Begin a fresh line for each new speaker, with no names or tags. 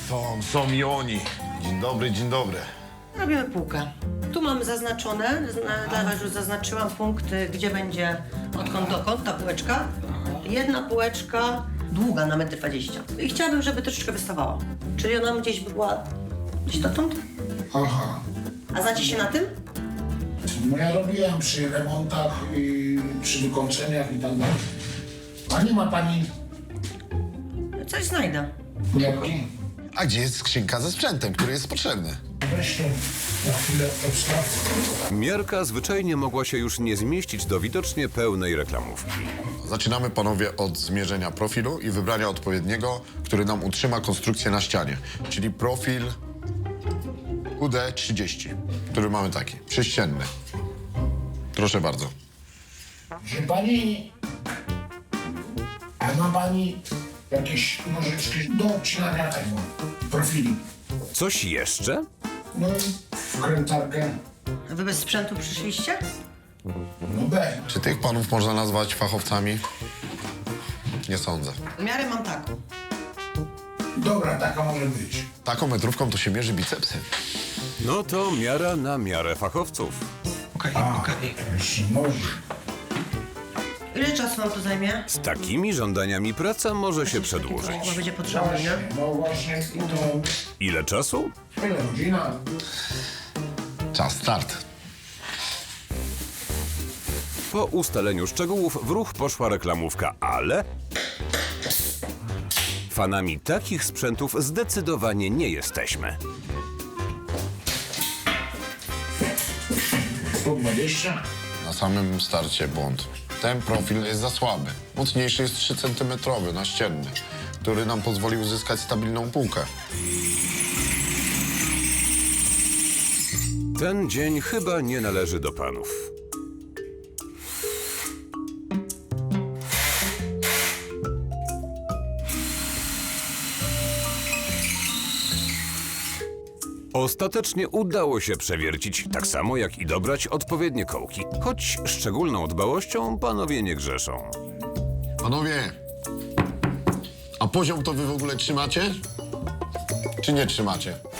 Są i oni. Dzień dobry, dzień dobry.
Robimy półkę. Tu mamy zaznaczone, dla was już zaznaczyłam punkt, gdzie będzie odkąd dokąd ta półeczka. Jedna półeczka długa na 1,20 m. I chciałabym, żeby troszeczkę wystawała. Czyli ona gdzieś była gdzieś dotąd.
Aha.
A znacie się na tym?
No ja robiłem przy remontach i przy wykończeniach i tak dalej. A nie ma pani
Coś znajdę.
miarki?
A gdzie jest skrzynka ze sprzętem, który jest potrzebny?
Weź to na chwilę odstaw.
Miarka zwyczajnie mogła się już nie zmieścić do widocznie pełnej reklamówki.
Zaczynamy, panowie, od zmierzenia profilu i wybrania odpowiedniego, który nam utrzyma konstrukcję na ścianie. Czyli profil UD30, który mamy taki, prześcienny. Proszę bardzo.
Że pani... A ma pani jakieś nożyczki do obcinania tego profili?
Coś jeszcze?
No, wkrętarkę.
A wy bez sprzętu przyszliście?
No B.
Czy tych panów można nazwać fachowcami? Nie sądzę.
Miarę mam taką.
Dobra, taka może być.
Taką metrówką to się mierzy bicepsy.
No to miara na miarę fachowców.
Jeszcze noży.
Ile czasu wam to zajmie?
Z takimi żądaniami praca może się przedłużyć.
Chyba będzie potrzebne,
Właśnie,
nie?
no właśnie. I to...
Ile czasu?
Ile godzina?
Czas start.
Po ustaleniu szczegółów w ruch poszła reklamówka, ale... Fanami takich sprzętów zdecydowanie nie jesteśmy.
120?
Na samym starcie błąd. Ten profil jest za słaby. Mocniejszy jest 3 cm naścienny, który nam pozwoli uzyskać stabilną półkę.
Ten dzień chyba nie należy do panów. Ostatecznie udało się przewiercić, tak samo jak i dobrać odpowiednie kołki. Choć szczególną dbałością panowie nie grzeszą.
Panowie, a poziom to wy w ogóle trzymacie? Czy nie trzymacie?